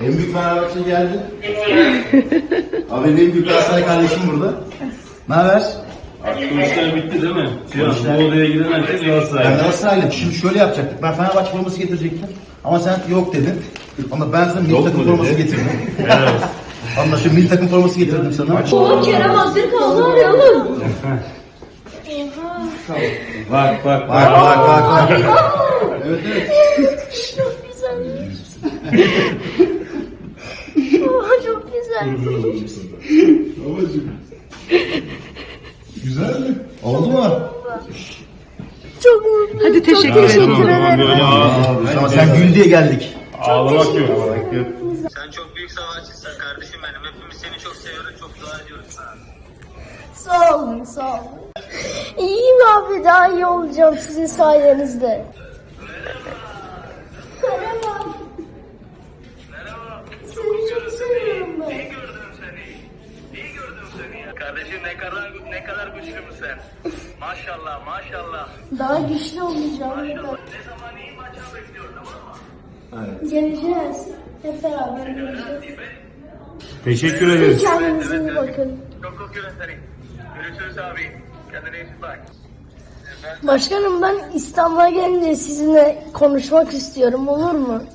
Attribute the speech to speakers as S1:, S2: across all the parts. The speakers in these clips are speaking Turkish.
S1: En büyük Fenerbahçe geldi. Abi en büyük Galatasaray kardeşim burada. Ne haber?
S2: Artık bu işler bitti değil mi?
S1: Bu işler-
S2: Bu odaya giden herkes
S1: Ben
S2: Galatasaraylı.
S1: Galatasaraylıyım. Şimdi şöyle yapacaktık. Ben Fenerbahçe forması getirecektim. Ama sen yok dedin. Ama ben sana milli
S2: Yok
S1: takım
S2: mu
S1: forması
S2: dedi?
S1: getirdim.
S2: Evet.
S1: Anlaşıldı. Milli takım forması getirdim sana.
S3: Oğlum Kerem Aktürkoğlu arıyor oğlum.
S2: Bak bak
S1: Bak
S2: bak.
S1: bak bak. Evet evet.
S3: Çok güzel. Çok güzel.
S1: Güzel mi? Oldu mu?
S3: Çok mutluyum.
S4: Hadi teşekkür
S3: Çok
S4: ederim.
S3: teşekkür ederim.
S2: Böyle
S1: Abi, ama sen gül diye geldik.
S2: ağlamak yok.
S5: Sen çok büyük savaşçısın kardeşim benim. Hepimiz seni çok seviyoruz, çok dua ediyoruz sana.
S3: Sağ olun, sağ olun. İyiyim abi, daha iyi olacağım sizin sayenizde. Merhaba.
S5: Merhaba.
S3: Seni çok seviyorum ben.
S5: İyi gördüm seni. İyi gördüm seni ya. Kardeşim ne kadar güçlü mü sen? Maşallah, maşallah.
S3: Daha güçlü olacağım.
S5: Ne zaman iyi maçı bekliyoruz, tamam mı?
S3: Geleceğiz. Hep beraber geleceğiz.
S2: Teşekkür ederiz.
S3: Kendinize iyi bakın.
S5: Çok kokuyorum seni. Görüşürüz abi. Kendine iyi bak.
S3: Başkanım, ben İstanbul'a gelince sizinle konuşmak istiyorum, olur mu?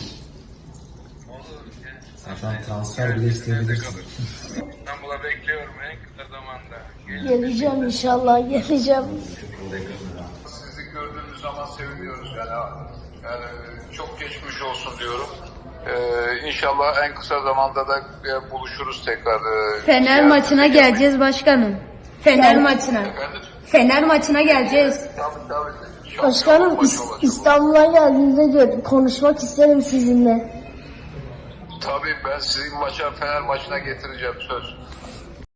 S1: Sen transfer bile isteyebilirsin.
S5: İstanbul'a bekliyorum en kısa zamanda.
S3: Geleceğim inşallah, geleceğim.
S6: Sizi gördüğümüz zaman seviniyoruz yani çok geçmiş olsun diyorum. İnşallah en kısa zamanda da buluşuruz tekrar.
S7: Fener maçına geleceğiz başkanım. Fener maçına.
S6: Efendim?
S7: Fener maçına geleceğiz.
S6: Tabii.
S3: Başkanım, İstanbul'a geldiğinde konuşmak isterim sizinle.
S6: Tabii ben sizi Fener maçına getireceğim söz.